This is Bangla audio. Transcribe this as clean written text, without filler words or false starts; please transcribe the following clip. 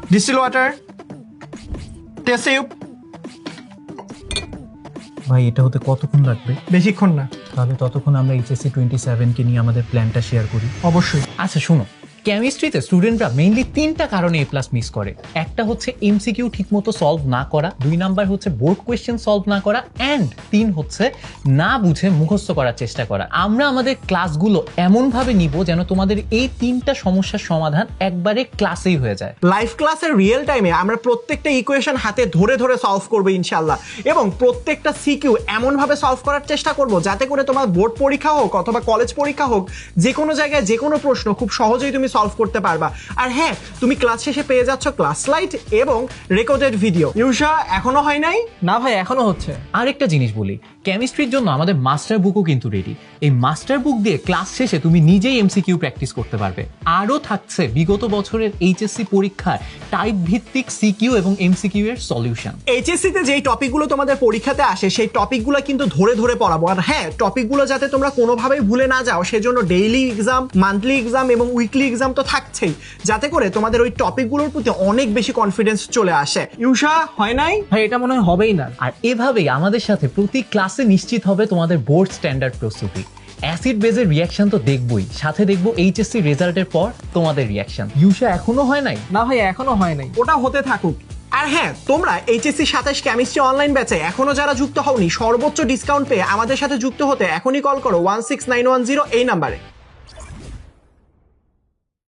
Distil water, test tube. ভাই এটা হতে কতক্ষণ লাগবে? বেশিক্ষণ না। তাহলে ততক্ষণ আমরা এইচএসসি 27 কে নিয়ে আমাদের প্ল্যানটা শেয়ার করি। অবশ্যই। আচ্ছা শোনো, কেমিস্ট্রিতে স্টুডেন্টরা মেইনলি 3টা কারণে এ প্লাস মিস করে। একটা হচ্ছে এমসিকিউ ঠিকমতো সলভ না করা, 2 নাম্বার হচ্ছে বোর্ড কোয়েশ্চেন সলভ না করা, অ্যান্ড 3 হচ্ছে না বুঝে মুখস্থ করার চেষ্টা করা। আমরা আমাদের ক্লাসগুলো এমনভাবে নিব যেন তোমাদের এই 3টা সমস্যার সমাধান একবারে ক্লাসেই হয়ে যায়। লাইভ ক্লাসের রিয়েল টাইমে আমরা প্রত্যেকটা ইকুয়েশন হাতে ধরে ধরে সলভ করবো ইনশাল্লাহ, এবং প্রত্যেকটা সিকিউ এমনভাবে সলভ করার চেষ্টা করব যাতে করে তোমার বোর্ড পরীক্ষা হোক অথবা কলেজ পরীক্ষা হোক, যে কোনো জায়গায় যে কোনো প্রশ্ন খুব সহজেই তুমি সলভ করতে পারবা। আর হ্যাঁ, তুমি ক্লাস শেষে পেয়ে যাচ্ছ ক্লাস স্লাইড এবং রেকর্ডেড ভিডিও। ইউষা, এখনো হয় নাই? না ভাই, এখনো হচ্ছে। আরেকটা জিনিস বলি, কেমিস্ট্রির জন্য আমাদের মাস্টার বুকও কিন্তু রেডি। এই মাস্টার বুক দিয়ে ক্লাস শেষে তুমি নিজেই এমসিকিউ প্র্যাকটিস করতে পারবে। আরও থাকছে বিগত বছরের এইচএসসি পরীক্ষার টাইপ ভিত্তিক সিকিউ এবং এমসিকিউ এর সলিউশন। এইচএসসি তে যেই টপিকগুলো তোমাদের পরীক্ষাতে আসে সেই টপিকগুলো কিন্তু ধরে ধরে পড়াবো। আর হ্যাঁ, টপিকগুলো যাতে তোমরা কোনোভাবেই ভুলে না যাও সেজন্য ডেইলি এক্সাম, মান্থলি এক্সাম এবং উইকলি এক্সাম তো থাকছেই, যাতে করে তোমাদের ওই টপিকগুলোর প্রতি অনেক বেশি কনফিডেন্স চলে আসে। ইউষা, হয় নাই? ভাই এটা মনে হয় হবেই না। আর এভাবেই আমাদের সাথে প্রতি ক্লাসে নিশ্চিত হবে তোমাদের বোর্ড স্ট্যান্ডার্ড প্রস্তুতি। অ্যাসিড বেজের রিয়াকশন তো দেখবই, সাথে দেখবো এইচএসসি রেজাল্টের পর তোমাদের রিয়াকশন। ইউষা, এখনো হয় নাই? না ভাই, এখনো হয় নাই। ওটা হতে থাকুক। আর হ্যাঁ, তোমরা এইচএসসি 27 কেমিস্ট্রি অনলাইন ব্যাচে এখনো যারা যুক্ত হওনি, সর্বোচ্চ ডিসকাউন্ট পেয়ে আমাদের সাথে যুক্ত হতে এখনই কল করো 16910 এই নাম্বারে।